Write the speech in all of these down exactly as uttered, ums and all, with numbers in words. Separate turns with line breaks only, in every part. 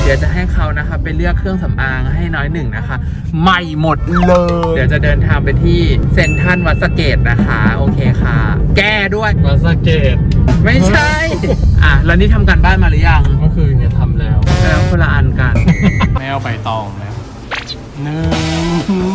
ดี๋ยวจะให้เขานะคะไปเลือกเครื่องสำอางให้น้อยหนึ่งนะคะใหม่หมดเลยเดี๋ยวจะเดินทางไปที่เซ็นทรัลวัดสะเกษนะคะโอเคค่ะแก้ด้วย
วัดสะเกษ
ไม่ใช่อ่ะแล้วนี่ทำการบ้านมาหรือยัง
เมื่อคืนเนี่ยทำแล้ว
แล้วคนละอันกัน
แมวใบตองแล้วหนึ่ง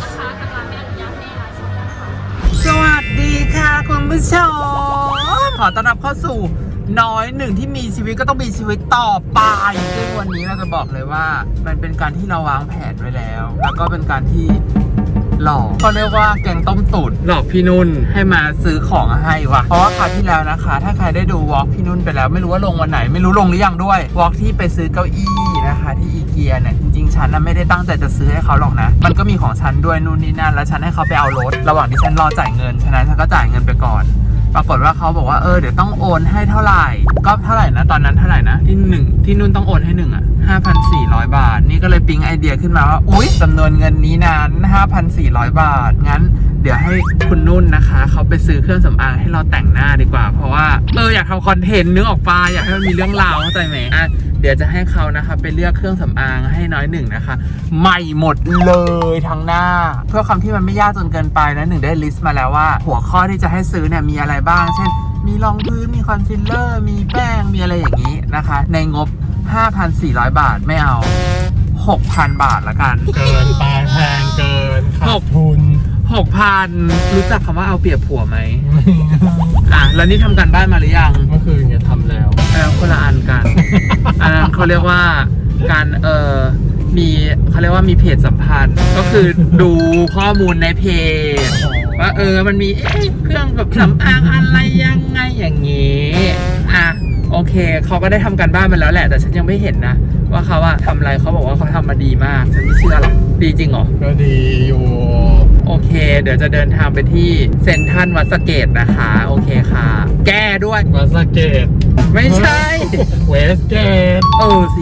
สวัสดีค่ะคุณผู้ชมขอต้อนรับเข้าสู่น้อยหนึ่งที่มีชีวิตก็ต้องมีชีวิตต่อไปซึ่งวันนี้เราจะบอกเลยว่ามันเป็นการที่เราวางแผนไว้แล้วแล้วก็เป็นการที่หลอกเขาเรียกว่าแกงต้มตุ๋นหลอกพี่นุ่นให้มาซื้อของให้ว่ะเพราะว่าคราวที่แล้วนะคะถ้าใครได้ดูวอล์กพี่นุ่นไปแล้วไม่รู้ว่าลงวันไหนไม่รู้ลงหรือยังด้วยวอล์กที่ไปซื้อเก้าอี้นะคะที่อีเกียเนี่ยจริงๆฉันน่ะไม่ได้ตั้งใจจะซื้อให้เขาหรอกนะมันก็มีของฉันด้วยนู่นนี่นั่นแล้วฉันให้เขาไปเอารถระหว่างที่ฉันรอจ่ายเงินฉะนั้นฉันก็จ่ายเงินไปก่อนปรากฏว่าเขาบอกว่าเออเดี๋ยวต้องโอนให้เท่าไหร่ก็เท่าไหร่นะตอนนั้นเท่าไหร่นะที่หนึ่งที่นุ่นต้องโอนให้หนึ่งอ่ะห้าพันสี่ร้อยบาทนี่ก็เลยปิ๊งไอเดียขึ้นมาว่าอุ๊ยจำนวนเงินนี้นั้นห้าพันสี่ร้อยบาทงั้นเดี๋ยวให้คุณนุ่นนะคะเขาไปซื้อเครื่องสำอางให้เราแต่งหน้าดีกว่าเพราะว่าเอออยากทำคอนเทนต์นึกออกปะอยากให้มันมีเรื่องราวเข้าใจไหมอ่ะเดี๋ยวจะให้เขานะคะไปเลือกเครื่องสำอางให้น้อยหนึ่งนะคะใหม่หมดเลยทั้งหน้าเพื่อคำที่มันไม่ยากจนเกินไปนะหนึ่งได้ลิสต์มาแล้วว่าหัวข้อที่จะให้ซื้อเนี่ยมีอะไรบ้างเช่นมีรองพื้นมีคอนซีลเลอร์มีแป้งมีอะไรอย่างนี้นะคะในงบ ห้าพันสี่ร้อย บาทไม่เอา หกพัน บาทละกัน
เกินไปแพงเกินขาดทุน
หกพัน รู้จักคำว่าเอาเปรียบผัวไหม อ่ะแล้วนี่ทำการบ้านมาหรือยัง
เมื่อคืนเนี่ยทำแล้ว
แล้วคนละอันกัน อันนั้นเขาเรียกว่าการเออมีเขาเรียกว่ามีเพจสัมพันธ์ก็คือดูข้อมูลในเพจว่าเออมันมีเอ๊ะเครื่องแบบสำอางอะไรยังไงอย่างงี้อ่ะโอเคเขาก็ได้ทำการบ้านมาแล้วแหละแต่ฉันยังไม่เห็นนะว่าเขาอะทำอะไรเขาบอกว่าเขาทำมาดีมากฉันไม่เชื่อหรอกดีจริงเหรอ
ก็ดีอยู่
โอเคเดี๋ยวจะเดินทางไปที่เซ็นทรัลวัดสะเกษนะคะโอเคค่ะแก้ด้วย
วัดสะเกษ
ไม่ใช่
เวสเกต
เออสิ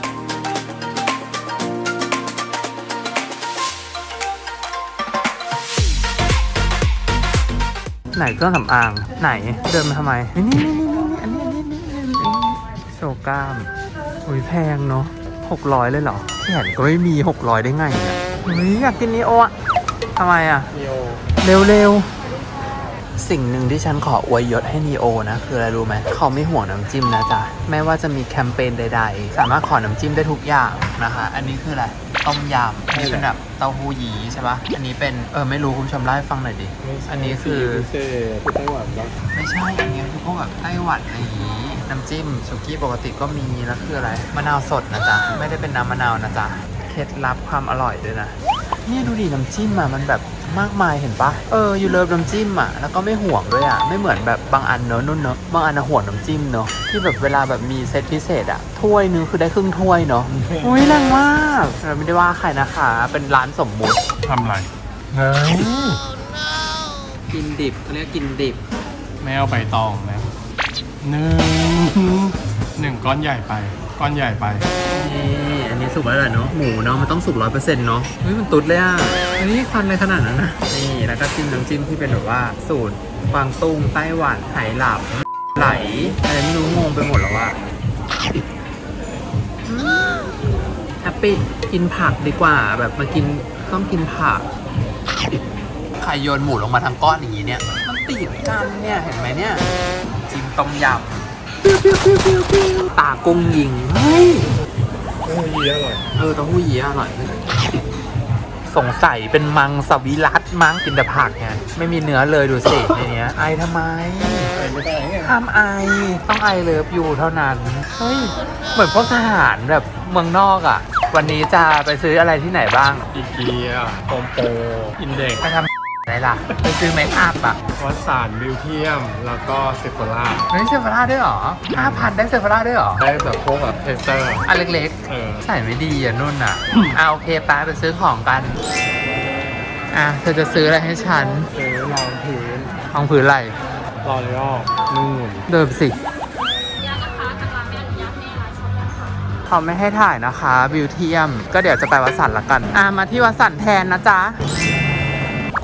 ไหนเครื่องสำอางไหนเดินมาทำไมนี่นี่นี่นี่อันนี้อันนี้นี่โชว์กล้ามอุ้ยแพงเนาะหกร้อยเลยเหรอแขนก็ไม่มีหกร้อยได้ไงเนี่ยอุ้ยอยากกินนีโออะทำไมอ่ะ
นีโอ
เร็วๆสิ่งหนึ่งที่ฉันขออวยยศให้นีโอนะคืออะไรรู้ไหมเขาไม่ห่วงน้ำจิ้มนะจ๊ะแม้ว่าจะมีแคมเปญใดๆสามารถขอน้ำจิ้มได้ทุกอย่างนะคะอันนี้คืออะไรต้มยำนี่เป็นแบบเต้าหู้ยี้ใช่ปะอันนี้เป็นเออไม่รู้คุณผู้ชมเล่าให้ฟังหน่อยดิอันนี้คือ
ไต้หวันปะ
ไม่ใช่อันนี้คือพวกแบบไต้หวันอะไรอย่างงี้น้ำจิ้มสุกี้ปกติก็มีแล้วคืออะไรมะนาวสดนะจ๊ะไม่ได้เป็นน้ำมะนาวนะจ๊ะเคล็ดลับความอร่อยด้วยนะนี่ดูดิน้ำจิ้มอ่ะมันแบบมากมายเห็นปะเออยูเลิฟน้ำจิ้มอ่ะแล้วก็ไม่ห่วงด้วยอ่ะไม่เหมือนแบบบางอันเนอะนุ่นเนอะบางอันห่วงน้ำจิ้มเนอะที่แบบเวลาแบบมีเซตพิเศษอ่ะถ้วยนึงคือได้ครึ่งถ้วยเนอะอุ้ยแรงมากเราไม่ได้ว่าใครนะคะเป็นร้านสมมุติ
ทำไรเฮ้ย
กินดิบเขาเรียกกินดิบ
แมวใบตองแล้วหนึ่งหนึ่งก้อนใหญ่ไปก้อนใหญ่ไป
นี่อันนี้สุกแล้วเหรอเนาะหมูเนาะมันต้องสุกร้อยเปอร์เซ็นต์เนาะเฮ้ยมันตุ๊ดเลยอ่ะอันนี้ควันอะไรขนาดนั้นนะนี่แล้วก็จิ้มน้ำจิ้มที่เป็นแบบว่าสูตรกวางตุ้งไต้หวันไหหลาบไหลอะไรไม่รู้งงไปหมดแล้วว่าแฮปปี้กินผักดีกว่าแบบมากินต้องกินผักใครโยนหมูลงมาทั้งก้อนอย่างนี้เนี่ยมันติดกันเนี่ยเห็นไหมเนี่ยจิ้มต้มยำตากุ้งยิงเฮ้ย
เต้าหู้ยี้อร่อย
เออเต้าหู้ยี้อร่อยสงสัยเป็นมังสวิรัติมั้งกินแต่ผักไงไม่มีเนื้อเลยดูสิในเนี้ยไอทำไม
ไอไม่ได้ไง
ห้ามไอต้องไอเลิฟอยู่เท่านั้นเฮ้ยเหมือนพวกทหารแบบเมืองนอกอ่ะวันนี้จะไปซื้ออะไรที่ไหนบ้าง
อีเกียโฮมโปรอินเด็กซ์
ไปทำอะไรล่ะไปซื้อเมคอัพอ่ะ
วัสานบิวเทียมแล้วก็เซฟโฟล่า
เฮ้ยเซฟโฟล่าด้วยเหรอห้าพันได้เซฟโฟล่าด้วยเหรอ
ได้แบบพวกแบบเทสเตอร์
อันเล็กๆเออใส่ไม่ดีอ่ะนุ่นอ่ะเอาโอเคไปไปซื้อของกันอ่ะเธอจะซื้ออะไรให้ฉัน
ซื้อรองพื้น
รองพื้นอะไร
รอยัลนู่น
เดิมสิเขาไม่ให้ถ่ายนะคะบิวเทียมก็เดี๋ยวจะไปวัดสันละกันอ่ะมาที่วัดสันแทนนะจ๊ะคุ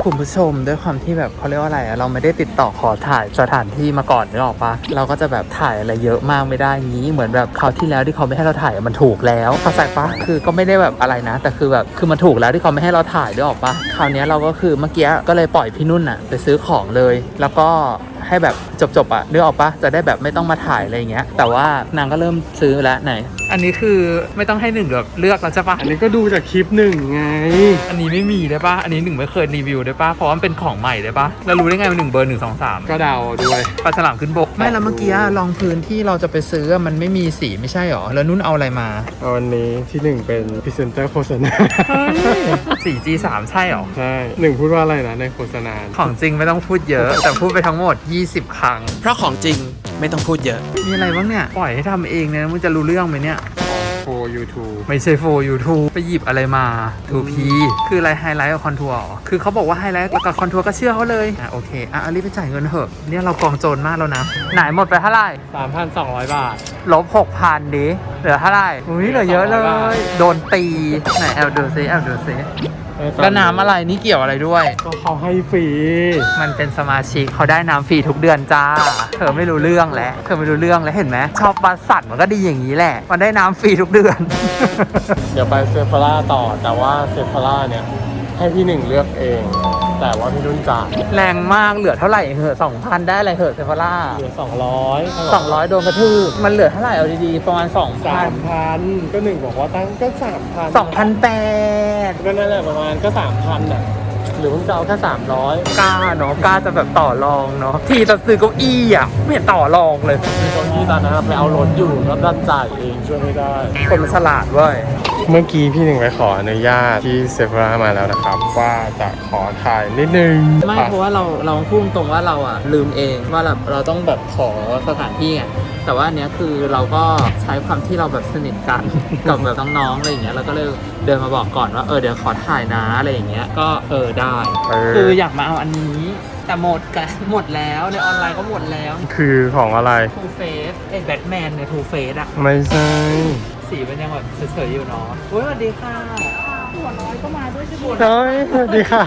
คุณผู้ชมด้วยความที่แบบเขาเรียกว่าอะไรอะเราไม่ได้ติดต่อขอถ่ายสถานที่มาก่อนนึกออกปะเราก็จะแบบถ่ายอะไรเยอะมากไม่ได้งี้เหมือนแบบคราวที่แล้วที่เขาไม่ให้เราถ่ายมันถูกแล้วเข้าใจปะคือก็ไม่ได้แบบอะไรนะ แต่คือแบบคือมันถูกแล้วที่เขาไม่ให้เราถ่ายนึกออกปะคราวนี้เราก็คือเมื่อกี้ก็เลยปล่อยพี่นุ่นอะไปซื้อของเลย แล้วก็ให้แบบจบๆอะนึกออกปะจะได้แบบไม่ต้องมาถ่ายอะไรเงี้ยแต่ว่านางก็เริ่มซื้อแล้วไหนอันนี้คือไม่ต้องให้หนึ่งแบบเลือกแล้วใช่ปะ
อันนี้ก็ดูจากคลิปหนึ่งไง
อันนี้ไม่มีได้ปะอันนี้หนึ่งไม่เคยรีวิวได้ปะเพราะว่ามันเป็นของใหม่ได้ปะแล้วรู้ได้ไงว่าหนึ่งเบอร์หนึ่งสองสาม
ก็เดาด้วย
ปลาฉลามขึ้นบกไม่แล้วเมื่อกี้รองพื้นที่เราจะไปซื้อมันไม่มีสีไม่ใช่หรอแล้วนุ่นเอาอะไรมา
เอาวันนี้ที่หนึ่งเป็นพรีเซนเตอร์โฆษณา
สี่ จี สาม ใช่หรอ
ใช่หนึ่งพูดว่าอะไรนะในโฆษณา
ของจริงไม่ต้องพูดเยอะ แต่พูดไปทั้งหมดยี่สิบครั้งเพราะของจริงไม่ต้องพูดเยอะมีอะไรบ้างเนี่ยปล่อยให้ทำเองเนี่ยมึงจะรู้เรื่องไหมเนี่ย
โฟยูทูบ
ไม่ใช่โฟยูทูบไปหยิบอะไรมา ทู พี คืออะไรไฮไลท์กับคอนทัวร์คือเขาบอกว่าไฮไลท์กับคอนทัวร์ก็เชื่อเขาเลยอ่ะโอเคอ่ะเอารีบไปจ่ายเงินเถอะเนี่ยเรากองโจรมากแล้วนะไหนหมดไปเท่าไหร่
สามพันสองร้อยบาท
ลบหกพันดิเหลือเท่าไหร่อุ้ยเหลือเยอะเลย โดนตีไหนแอบดูซิแอบดูซิแล้วน้ำอะไรนี่เกี่ยวอะไรด้วย
ก็เขาให้ฟรี
มันเป็นสมาชิกเขาได้น้ำฟรีทุกเดือนจ้าเธอไม่รู้เรื่องแล้วเธอไม่รู้เรื่องแล้วเห็นไหมชอบบัสสัตว์มันก็ดีอย่างนี้แหละมันได้น้ำฟรีทุกเดือน
เดี๋ยวไปเซฟาร่าต่อแต่ว่าเซฟาร่าเนี่ยให้พี่หนึ่งเลือกเอง แต่ว่าพี่นุ่นจ่าย
แรงมากเหลือเท่าไหร่เหอะสองพันได้อะไรเหอะเซฟาร่า
เหลือสองร้อย
สองร้อยโดนกระทืบมันเหลือเท่าไหร่เอาดีๆประมาณสองพั
สาน มพันก็หนึ่งบอกว่าตั้งก็สามพัน
สองพันแปด
ก็นั่นแหละประมาณก็สามพันอ่ะหรือมึงจะเอาแค่สามร้อย
กล้าเนาะกล้าจะแบบต่อรองเนาะทีจะซื้อเก้าอี้อ่ะไม่เห็นต่อรองเลย
มีคนที่ตอนนั้นไปเอารถอยู่แล้วดันจ่ายเองช่วยไม่ได้
คนมันฉลาดเว้ย
เมื่อกี้พี่หนึ่งไปขออนุญาตที่เซฟรามาแล้วนะครับ ว่าจะขอถ่ายนิดนึง
ไม่เพราะว่าเราเราพูดตรงว่าเราอ่ะลืมเองว่าแบบเราต้องแบบขอสถานที่ไงแต่ว่าอันเนี้ยคือเราก็ใช้ความที่เราแบบสนิทกัน กับแบบน้องๆอะไรอย่างเงี้ยเราก็เลยเดินมาบอกก่อนว่าเออเดี๋ยวขอถ่ายนะอะไรอย่างเงี้ยก็เออได้
เออ
คืออยากมาเอาอันนี้แต่หมดกันหมดแล้วในออนไลน์ก็หมดแล้ว
คือของอะไร
ทูเฟสไอ้แบทแมนในทูเฟสอะ
ไม่ใช่
สีมันยังแบบเฉยๆอยู่เนาะอุ้ยสวัสดีค่ะ
หัวน้อยก็มาด้วยใช่ไหม
เฮ้ยสวัสดีครับ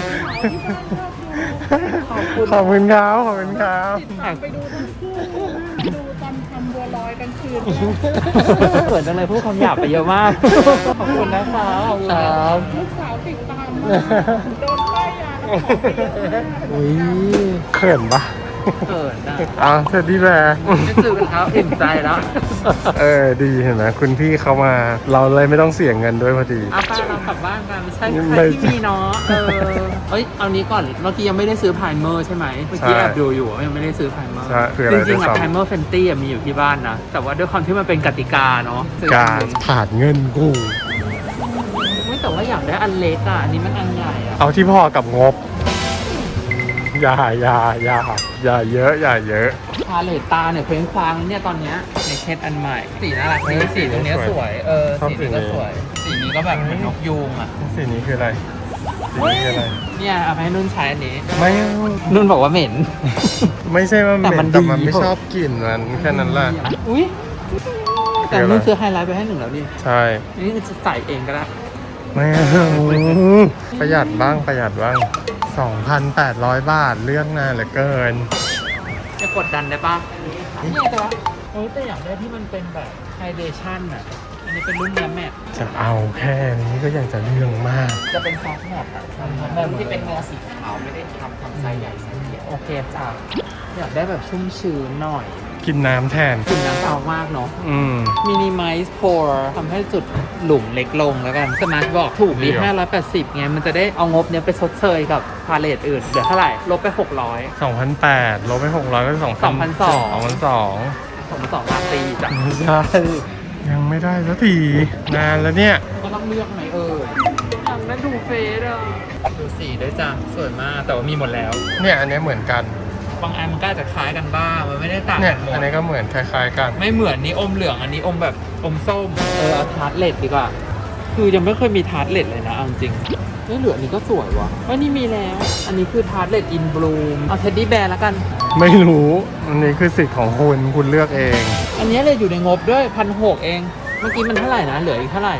ขอบคุณ
ขอบคุณครับขอบคุณครับ
ไปดูทั้งคู่ดูตอนทำบัวลอยกันคืน
เขินจังเลยพูดคำหยาบไปเยอะมาก ขอบคุณนะคะขอบคุณครับ
ลูกสาวติดตามมาโดนป้ายยาแล้วขอไปเยอะมาก
อุ้ยเขินปะ
เขินนะ
อ้าวสวัสดีแบร์
ไม่ซื้อกันครับอิ่มใจแล้ว
เออดีเห็นไหมคุณพี่เขามา เราเลยไม่ต้องเสียเงินด้วยพอดี
เอาไปเรากลับบ้านกันใช่
ไม่
ใช่ที่มีเนาะเออเอ้ยเอานี้ก่อนเมื่อกี้ยังไม่ได้ซื้อไพรเมอร์ใช่ไหมเมื่อกี้
ใช่
แอบดูอยู่ว่ายังไม่ได้ซื้อไพรเมอร์
ใช่คืออะไร
จริงๆอะ
ด้วยซ้ำ
ไพรเมอร์เฟนตี้มีอยู่ที่บ้านนะแต่ว่าด้วยความที่มันเป็นกติกาเนาะซื้อ
การ
อันหนึ่ง
ผ่านเงินกู
ไม่แต่ว่าอยากได้อันเล็กอ่ะอันนี้มันอันใหญ่อ่ะ
เอาที่พอกับงบ อย่าอย่าอย่าอย่าเยอะ อย่าเยอะ
พาเลตตาเนี่ยเพลงควางเนี่ยตอนเนี้ยในเคสอันใหม่สีน่ารักดี
เออ
สีตรงเนี้ย
ส
ส
ว
วย ยเออ
ชอบ
สีนี้ก็
สีนี้
สวย สีนี้ก็แบบเหมือนนกยูงอ่ะ
สีนี้คืออะไรสีนี้คืออะไร
เนี่ยเอาไปให้นุ่นใช้อันนี้
ไม่เอา
นุ่นบอกว่าเหม็น
ไม่ใช่ว่าเห
แต่มั
ม็
น
นแต่มัน
ดี
ไม่ชอบกลิ่นมันแค่นั้นแหละ
อุ้ยแต่นุ่นซื้อไฮไลท์ไปให้หนึ่งแล้วดิ
ใช่
นี่จะใส่เองก็ได้
ไม่เอาประหยัดบ้างประหยัดบ้าง สองพันแปดร้อย บาทเลือกนานเหลือเกิน
จะกดดันได้ปะนี่แต่ว่าโอ้ยแต่อยากได้ที่มันเป็นแบบไฮเดชั่นอ่ะ อันนี้เป็นรุ่นเนื้อแมท
จะเอาแค่นี้ก็ยังจะเรื่องมาก
จะเป็นซอฟต์แมทอ่ะแบบที่เป็นเนื้อสีขาวไม่ได้ทำทำไซส์ใหญ่ไซส์เล็กโอเคจ้ะอยากได้แบบชุ่มชื้นหน่อย
กินน้ำแทน
กลิ่นน้ำเปล่ามากเนาะ
อืม
minimize pore ทำให้จุดหลุมเล็กลงแล้วกันสมาร์ทบอกถูกดี
เดี๋ยว
ห้าร้อยแปดสิบไงมันจะได้เอางบเนี้ยไปชดเชยกับพาเลตอื่นเหลือเท่าไหร่ ลบไป หกร้อย
สองพันแปดลบไปหกร้อยก็สอง
สองพันสอง
สองพันสอง
สองสองราตรีจ้ะ
ไม่ใช่ยังไม่ได้สักทีนานแล้วเนี่ย
ก็ต้องเลือกไหมเอออยากได้ดูเฟสอ่ะดูสีด้วยจ้ะสวยมากแต่ว่ามีหมดแล้ว
เนี่ยอันนี้เหมือนกัน
บางอันมันก็อาจจะคล้ายกันบ้างมันไม่ได้ต่าง
เนี่ย
กันหม
อั
ด
นนี้ก็เหมือนคล้ายๆกัน
ไม่เหมือนนี้อมเหลืองอันนี้อมแบบอมส้มเออเอาทาร์ตเลดดีกว่าคือยังไม่เคยมีทาร์ตเลดเลยนะเอาจริงไม่เหลืออันนี้ก็สวยวะว่านี่มีแล้ว อันนี้คือทาร์ตเลดอินบลูมเอาเท็ดดี้แบร์แล้วกัน
ไม่รู้อันนี้คือสิทธิ์ของคุณคุณเลือกเอง
อันนี้เลยอยู่ในงบด้วยพันหกเอง เมื่อกี้มันเท่าไหร่นะเหลืออีกเท่าไหร่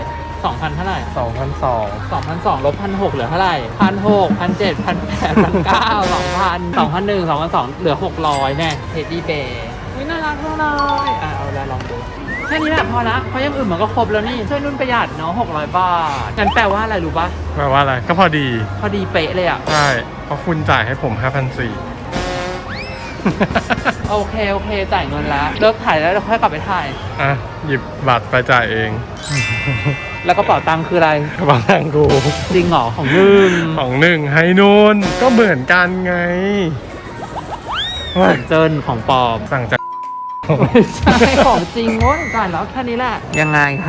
สองพันเท่าไหร่
สองพันสอง
สองพันสองลบพันหกเหลือเท่าไหร่พันหกพันเจ็ดพันแปดพันเก้าสองพันสองพันหนึ่งสองพันสองเหลือหกร้อยแน่เทดดี้เบย์อุ้ยน่ารักจังเลยอ่ะเอาละลองดูแค่นี้แหละพอละเพราะอยังอื่นมันก็ครบแล้วนี่ช่วยนุ่นประหยัดเนาะหกร้อยบาทงั้นแปลว่าอะไรรู้ปะ
แปลว่าอะไรก็พอดี
พอดีเป๊ะเลยอ่ะ
ใช่เพราะคุณจ่ายให้ผม ห้าพันสี่ร้อย
โอเคโอเคจ่ายเงินแล้วเลิกถ่ายแล้วเราค่อยกลับไปถ่าย
อ่ะหยิบบัตรไปจ่ายเอง
แล้วกระเป๋าตังค์คืออะไร
กระเป๋าตังค์กู
จริงเหรอของมึง
ของหนึ่งให้นุ่นก็เหมือนกันไง
ของเจินของปลอม
สั่งจาก
ไม่ใช่ของจริงโว้ยจ่ายแล้วแค่นี้แหละยังไงคะ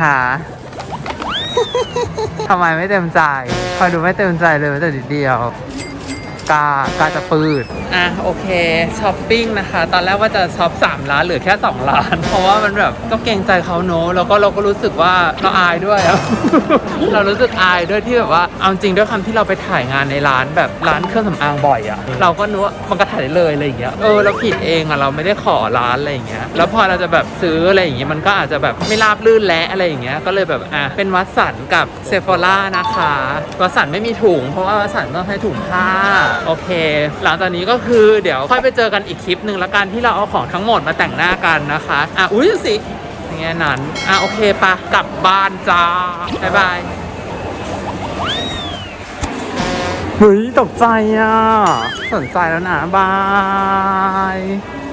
ทำไมไม่เต็มใจคอยดูไม่เต็มใจเลยแม้แต่นิดเดียวกากาจะปืดอ่ะโอเคช้อปปิ้งนะคะ ตอนแรกว่าจะช็อปสามล้านเหลือแค่สองล้าน เพราะว่ามันแบบก็เกรงใจเขาเนอะแล้วก็เราก็รู้สึกว่าเราอายด้วยอะ เรารู้สึกอายด้วยที่แบบว่าเอาจริงด้วยคำที่เราไปถ่ายงานในร้านแบบร้านเครื่องสำอางบ่อยอะเราก็นึกว่ามันก็ถ่ายได้เลยอะไรอย่างเงี้ยเออเราผิดเองอะเราไม่ได้ขอร้านอะไรอย่างเงี้ยแล้วพอเราจะแบบซื้ออะไรอย่างเงี้ยมันก็อาจจะแบบไม่ราบลื่นและอะไรอย่างเงี้ยก็เลยแบบอ่ะเป็นวัดสันกับเซฟ h ร่านะคะวัดสันไม่มีถุงเพราะว่าวัดสันต้องใช้ถุงผ้าโอเคหลังจากนี้ก็คือเดี๋ยวค่อยไปเจอกันอีกคลิปหนึ่งละกันที่เราเอาของทั้งหมดมาแต่งหน้ากันนะคะอ่ะอุ้ยสิอย่างเงี้ยนั้นอ่ะโอเคปะกลับบ้านจ้าบ๊ายบายเฮ้ยตกใจอ่ะสนใจแล้วนะบาย